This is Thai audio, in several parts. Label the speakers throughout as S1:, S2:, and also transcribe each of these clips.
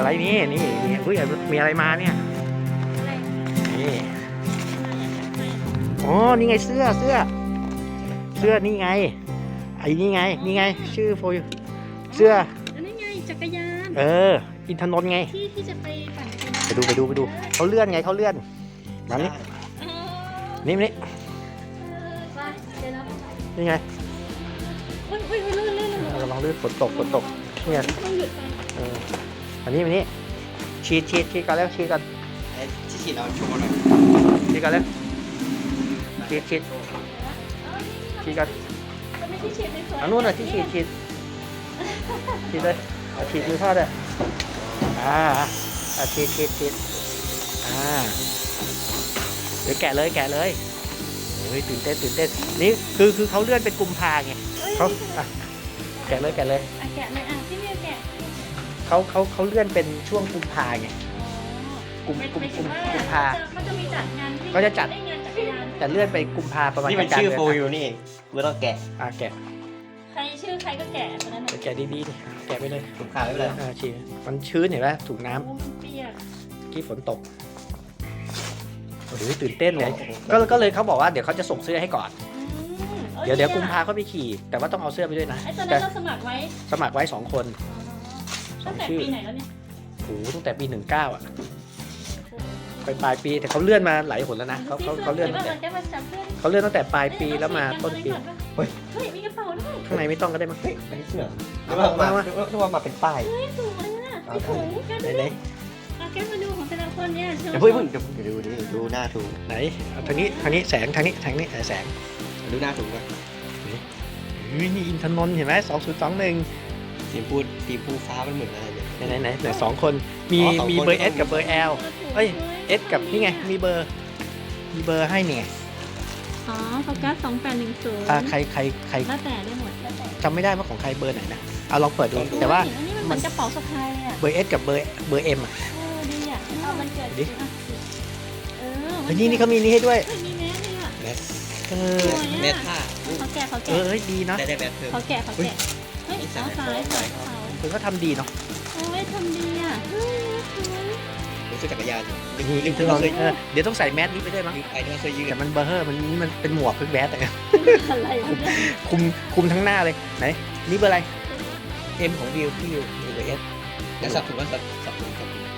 S1: อะไรนี่อุ้ยมีอะไรมาเนี่ยนี่อ๋อนี่ไงเสื้อนี่ไงไอ้นี่ไงชื่อโฟยเสื้อ
S2: นี่ไงจักรยาน
S1: อินทนนท์ไง
S2: ที่จะไปปั่นจักรยาน
S1: ไปดูเขาเลื่อนมานี่นี่ไงระวังลื่นฝนตกนี่ไงอันนี้ฉีดกันแล้วฉีดกัน
S3: เราโชว์หน่อย
S1: ฉีดกันแล้วฉีดกันอันนู้นน่ะที่ฉีดเลยฉีดมือพ่อเลยฉีดเดี๋ยวแกะเลยเฮ้ยตื่นเต้นนี่คือเขาเลื่อนเป็นกุมภาไงเขาแกะเลย
S2: ที่ไม่แกะ
S1: เขาเลื่อนเป็นช่วงกุมภาไงกุมภา
S2: เขาจะมีจัดงาน
S1: เขาจะจัด
S2: งานจักรยาน
S1: แต่เลื่อนไปกุมภาประมาณ
S3: นี่มันชื่อโฟยูนี่เองไม่ต้องแกะ
S1: แกะ
S2: ใครชื่อใครก็แกะคนนั้น
S1: แกะดีแกะไปเลย
S3: ถุงขาดไม่เป็นไร
S1: ฉีดมันชื้นเห็นไหมถูกน้
S2: ำเปียก
S1: ที่ฝนตกโอ้โหตื่นเต้นเลยก็เลยเขาบอกว่าเดี๋ยวเขาจะส่งเสื้อให้ก่อนเดี๋ยวกุมภาเขาไปขี่แต่ว่าต้องเอาเสื้อไปด้วยนะ
S2: ไอ้ตอนนั้นเราสมัครไว้
S1: 2 คน
S2: ตั้งแต่ปีไหนแล้วเนี่ย
S1: โอ้โหตั้งแต่ปี19อ่ะไปปลายปีแต่เขาเลื่อนมาหลายหนแล้วนะเขาเลื่อนตั้งแต่ปลายปีแล้วมาต้นปี
S2: เฮ้ยมีกระเป๋าด้วย
S1: ข้างในไม่ต้องก็ได้มั้ง
S3: อันนี้เสื้อนึกว่ามาเป็นป้าย
S2: สวยอ่ะพี่ถุงแกมาดูของแต่ละคนเนี่ย
S3: เดี๋ยวดูหน้าถู
S1: ไหนทางนี้แสงทางนี้แสง
S3: ดูหน้าถูกไหม
S1: นี่อินทนนท์เห็นไหม2021
S3: สีพูฟ้ามันเหมือนอะไร
S1: เนี่ยไหน2 คนมีเบอร์ S กับเบอร์ L เอ้ย S กับนี่ไงมีเบอร์ให้เนี่ย
S2: โฟกัส2810
S1: ใคร
S2: แล้วแต่ได้หมด
S1: จำไม่ได้ว่าของใครเบอร์ไหนนะเอาลองเปิดดูแต่ว่า
S2: มันกระเป๋าสะพายอ่ะ
S1: เบอร์ S กับเบอร์ M อ่ะ
S2: ดีอ่ะมันเกิด
S1: ดินี่เขามีนี่ให้ด้วย
S2: มีแมสเลยอ่ะ
S3: แมสผ้า
S2: เขาแกะ
S1: ดีเนาะ
S3: ได้แมสเพิ่ม
S2: เขาแกะเฮ้ยเอาสาย
S1: คือเขาทำดีเนาะ
S2: โอ้ยทำดีอ่ะ
S3: รู้สึกจักรยาน
S1: เดี๋ยวต้องใส่แมสนี้ไปด้วยมั้ง
S3: ไอ้นี่เคยยืน
S1: แต่มันเบอร์มันเป็นหมวกคือแมสแต่คุมทั้งหน้าเลยไหนนี่เบอร์อะไร M ของวิวพี่วิวเบอร์ S
S3: แล้วสับถุงก็สับถุง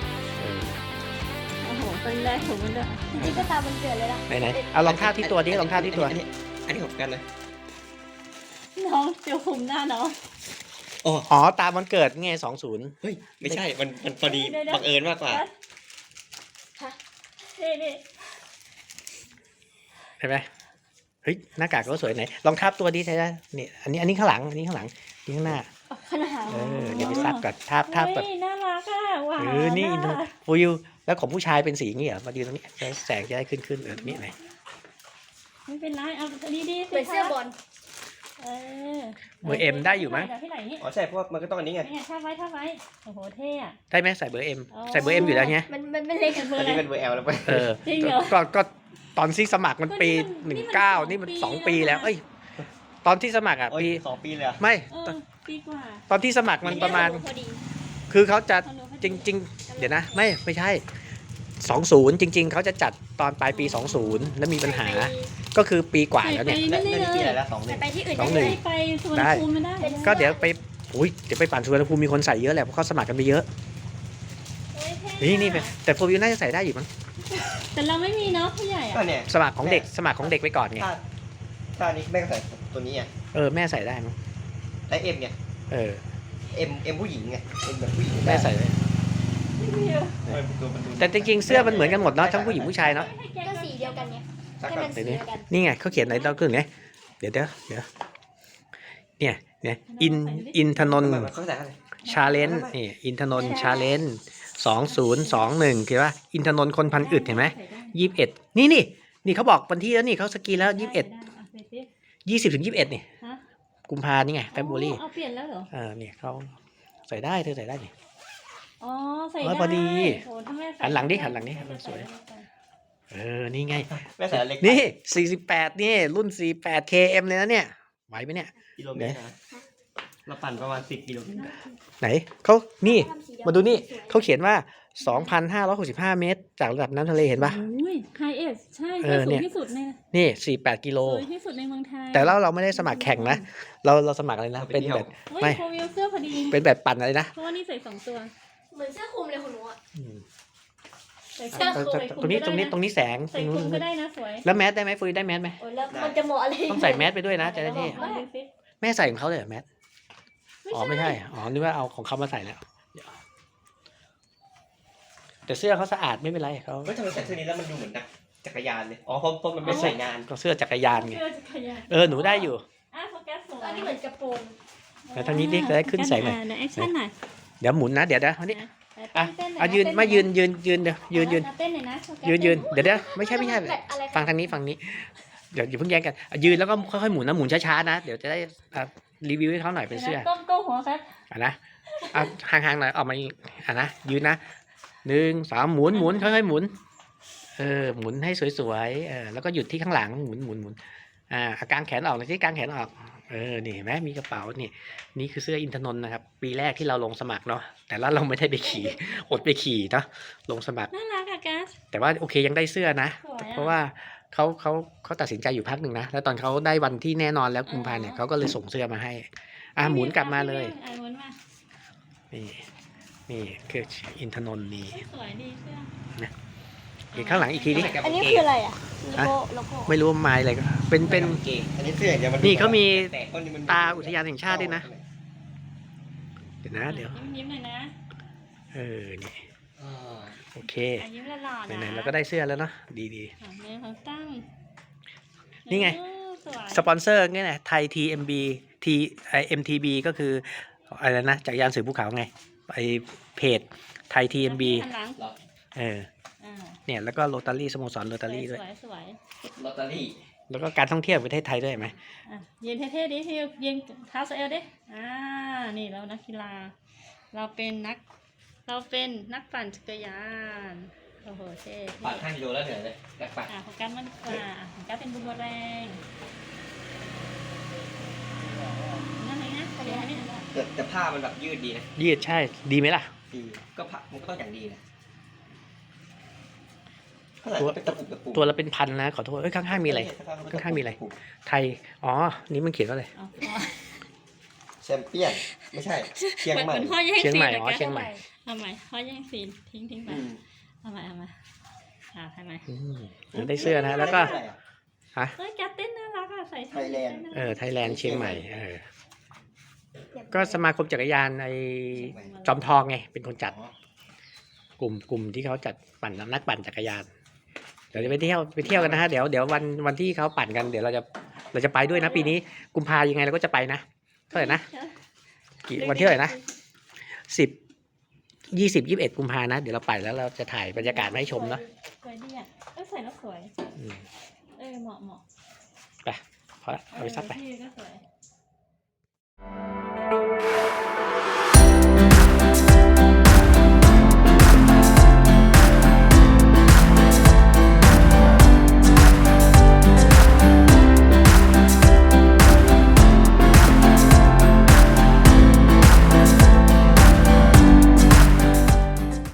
S2: โอ้โหตอนแรกถุงมันด้วยจริงๆก็ตามมันเกิดเลยล่ะ
S1: ไหนเอาลองท่าที่ตัวดิลองท่าที่ตัว
S3: อันนี้ของกันเลย
S2: น้องเจียวคุมหน้าน้อง
S1: อ๋อตามวันเกิดไง
S3: 20เฮ้ยไม่ใช่มันพอดีบังเอิญมากกว่า
S2: นี่
S1: เห็นไหมเฮ้ยหน้ากากก็สวยไหนลองทับตัวดิใช่ไหมนี่อันนี้ข้างหลังนี่ข้างหน้าเดี๋ยวไปซับก่อนทับก่อน
S2: น่ารักอ่ะว้าว
S1: นี่ฟูยูแล้วของผู้ชายเป็นสีอย่างนี้เหรอมาดูตรงนี้แสงจะได้ขึ้นตรงนี้ไหน
S2: ไม่เป็นไรเอาดี
S4: เป็นเสื้อบอล
S1: เบอร์ M ได้อยู่มั้ย
S3: อ๋อใช่เพราะมันก็ต้องอันนี้ไง
S2: ท่าไว้โอ้โหเท่อะ
S1: ได้ไหมใส่เบอร์ M ใส่เบอร์ M อยู่แล้วไง
S4: มันไม่เล็ก
S3: เบอร์อันนี้เป็นเบอร์ L แล้วไป
S2: จริงเหรอ
S1: ก็ตอนที่สมัครมันปี19นี่มัน2 ปีแล้วตอนที่สมัครอ่ะ
S3: ปี2 ปีเลย
S1: ไม่
S2: ปีกว่า
S1: ตอนที่สมัครมันประมาณคือเขาจะจริงๆเดี๋ยวนะไม่ใช่20จริงๆเขาจะจัดตอนปลายปี20แล้วมีปัญหาก็คือปีกว่าแล้วเนี่ย
S3: ได้ปีอะไรแล้ว
S4: ไปที่อื่น
S2: ไปสวนภูมิไม่ได้
S1: ก็เดี๋ยวไปปั่นสวนภูมิมีคนใส่เยอะแหละเพราะเขาสมัครกันไปเยอะนี่แต่โฟวิวน่าจะใส่ได้อยู่มั้ง
S2: แต่เราไม่มีเนาะผู้ใหญ่อะ
S1: สมัครของเด็กไปก่อนไง
S3: ถ้านี้แม่ก็ใส่ตัวนี้อ่ะ
S1: แม่ใส่ได้มั้ง
S3: และ M ไงM ผู้หญิงไง M แบบผู้หญิง
S1: แม่ใส่ได้แต่จริงๆเสื้อมันเหมือนกันหมดเนาะทั้งผู้หญิงผู้ชายเนาะ
S4: ก็สีเดียวกันไงให้มันสีเดียวกัน
S1: นี่ไงเขาเขียนอะไรต้องขึ้นไงเดี๋ยวเนี่ยอินทนนท์ชาเลนจ์นี่อินทนนท์ชาเลนจ์2021คือว่าอินทนนท์คนพันอึดเห็นไหม21นี่เขาบอกวันที่แล้วนี่เขาสกรีนแล้ว20ถึง21นี่กุมภานี่ไงFebruary
S2: เอาเปลี่ยนแล้วเหรอ
S1: เนี่ยเขาใส่ได้เธอใส่ได้นี่
S2: ใส่ได้
S1: พอดีหันหลังดิมันสวยนี่ไง
S3: แม่ใส่เล็ก
S1: นี่48นี่รุ่น48 KM เลยนะเนี่ยไหวไหมเนี่ย
S3: กิโลเมตรเราปั่นประมาณ10 กิโล
S1: ไหนเขานี่มาดูนี่เขาเขียนว่า 2,565 เมตร จากระดับน้ำทะเลเห็นปะ
S2: โอ้ยไฮเอสใช่
S1: เออ
S2: สู
S1: เนี่
S2: ง
S1: ย
S2: ที่สุดใน
S1: นี่48 กิโล
S2: สูงที่สุดในเมืองไทย
S1: แต่เราไม่ได้สมัครแข่งนะเราสมัครอะไรนะเป็นแบบ
S2: เฮ้ย
S1: ไม่
S2: โฟวิวเสื้อพอดี
S1: เป็นแบบปั่นอะไรนะ
S2: เพราะว่านี่ใส่2 ตัว
S4: เหมือนเสื้อคลุมเลยคุณหนูอ่ะ
S1: อืม
S2: ใส่
S4: เสื้อ
S1: ตรงนี้แสง
S2: ใส่คลุมก็ได้นะสวย
S1: แล้วแมสได้ไหมฟุยได้แมสไหม
S4: โอ้ยแล้วมันจะเหมาะอะไร
S1: ต้องใส่แมสไปด้วยนะจะได้เท่
S2: ลองดูสิ
S1: แม่ใส่ของเขาเลยเหรอแมสอ๋อไม่ใช่อ๋อนึกว่าเอาของเขามาใส่แล้วแต่เสื้อเขาสะอาดไม่เป็นไรเขา
S3: เฮ้ยทำไมใส่เสื้อนี้แล้วมันดูเหมือนนักจักรยานเลยอ๋อเพราะมันเป็นใส่งาน
S1: ก็เสื้อจักรยานไง
S2: เสื้อจักรยาน
S1: หนูได้อยู่
S2: โฟกัสสวย
S4: อันนี้เหมือนกระโปรง
S1: แล้วทางนี้ดิจะได้ขึ้นแสงหน่อย
S2: แอคชั่นหน่อย
S1: เดี๋ยวหมุนนะเดี๋ยววันนี้ อ่ะ
S2: เต้นหน่
S1: เอา
S2: อ
S1: ยืน
S2: เต้
S1: มา
S2: ห
S1: ยื
S2: อน
S1: ยืนเดี๋ยวยืน
S2: เต้นหน่อยนะโฟกัส
S1: ยืนเดี๋ยวไม่ใช่
S4: แบบอะไร
S1: ฟังทางนี้เดี๋ยวอย่าเพิ่งแย่งกันยืนแล้วก็ค่อยๆหมุนนะหมุนช้าๆนะเดี๋ยวจะได้รีวิวให้เขาหน่อยเป็นเสื้อ
S2: ก้มหัวครับ
S1: นะห่างๆหน่อยออกมาอีกนะยืนนะ1 2หมุนค่อยๆหมุนหมุนให้สวยๆแล้วก็หยุดที่ข้างหลังหมุนกางแขนออกหน่อยที่กางแขนออกนี่เห็นไหมมีกระเป๋านี่คือเสื้ออินทนนท์นะครับปีแรกที่เราลงสมัครเนาะแต่ละเราไม่ได้ไปขี่อดไปขี่เนาะลงสมัคร
S2: น่ารักอะกัส
S1: แต่ว่าโอเคยังได้เสื้อนะ
S2: สวยอะ
S1: เพราะว่าเขาตัดสินใจอยู่พักหนึ่งนะแล้วตอนเขาได้วันที่แน่นอนแล้วกุมภาเนี่ยเขาก็เลยส่งเสื้อมาให้หมุนกลับมาเลย
S2: หมุนมา
S1: นี่คืออินทนนท์นี่
S2: สวยดีเสื้อ
S1: อีกข้างหลังอีกทีดิ
S4: อันนี้คืออะไรอ่ะโลโก้
S1: ไม่รู้ว่าไม้อะไรก็เป็น
S3: เกงอันนี้เสื้ออย่างเดียวมัน
S1: นี่เขามี
S3: แต่ต้นนี้มัน
S1: ตาอุทยานแห่งชาติด้วยนะ เดี๋ยวนะเดี๋ยว
S2: ยิ้มหน่อยนะ
S1: นี่
S3: อ่า
S1: โอเค
S2: ยิ้มหล่อๆนะ
S1: ไหนๆเราก็ได้เสื้อแล้วเนาะดี
S2: เนื้อของตั้ง
S1: นี่ไง
S2: สวย
S1: สปอนเซอร์ไงนะไทย TMB MTB ก็คืออะไรนะจักรยานสื่อภูเขาไงไปเพจไทย TMB
S2: หันหลัง
S3: หรอ
S1: เนี่ยแล้วก็โรตารี่สโมสรโรตารี่ด้วย
S2: สวย
S3: ลอตเตอรี่
S1: แล้วก็การท่องเที่ยวประเทศไทยด้วยเห็นไหม
S2: ยืนเท่ๆดิยืนเท้าสะเอวดินี่เรานักกีฬา เราเป็นนักปั่นจักรยานโอ้โหเท่
S3: ปั่น5 กิโลแล้วเหนื่อยเลยแบกปั่น
S2: ของกัสมันของกัสเป็นบูมเบอแรงนั่นเองนะเดี๋ยวให้นี่
S3: แต่ผ้ามันแบบยืดดีนะ
S1: ยืดใช่ดีไหมล่ะ
S3: ดีก็ผ้ามันก็ต้องอย่างดีนะเท่าไหร่เป็นตะปุก
S1: ตัวละเป็นพันนะขอโทษข้างๆมีอะไร ข้างๆมีอะไร ไทยอ๋อนี่มันเขียนว่าอะไร
S3: แชมเปี้ยนไม่ใช่เชียงใหม่
S2: เหมือนพ่อแย่ง
S1: เชียง
S2: ซี
S1: ใหม่
S2: น
S1: อ๋อเชียงใหม่
S2: เอาใหม่พ่อแย่งซีนทิ้งไป
S3: อืม
S2: เอาใหม่ทำไม
S1: ได้เสื้อนะแล้วก็
S3: เท่าไหร่อะ
S2: เฮ้ยกัสเต้นน่ารักอะใส่
S3: ไทยแลนด์
S1: ไทยแลนด์เชียงใหม่ก็สมาคมจักรยานจอมทองไงเป็นคนจัด กลุ่มที่เขาจัดปั่นนักปั่นจักรยานเดี๋ยวจะไปเที่ยวกันนะฮะเดี๋ยววันที่เขาปั่นกันเดี๋ยวเราจะไปด้วยนะปีนี้กุมภายังไงเราก็จะไปนะเท่าไหร่นะวันที่เท่าไหร่นะ20-21 กุมภานะเดี๋ยวเราไปแล้วเราจะถ่ายบรรยากาศมาให้ชมเนาะ
S2: สวยดีอ่ะใส่แล้วสวยเหมาะ
S1: ไปพอละเอาไปซักไป
S2: พี่ก็สวย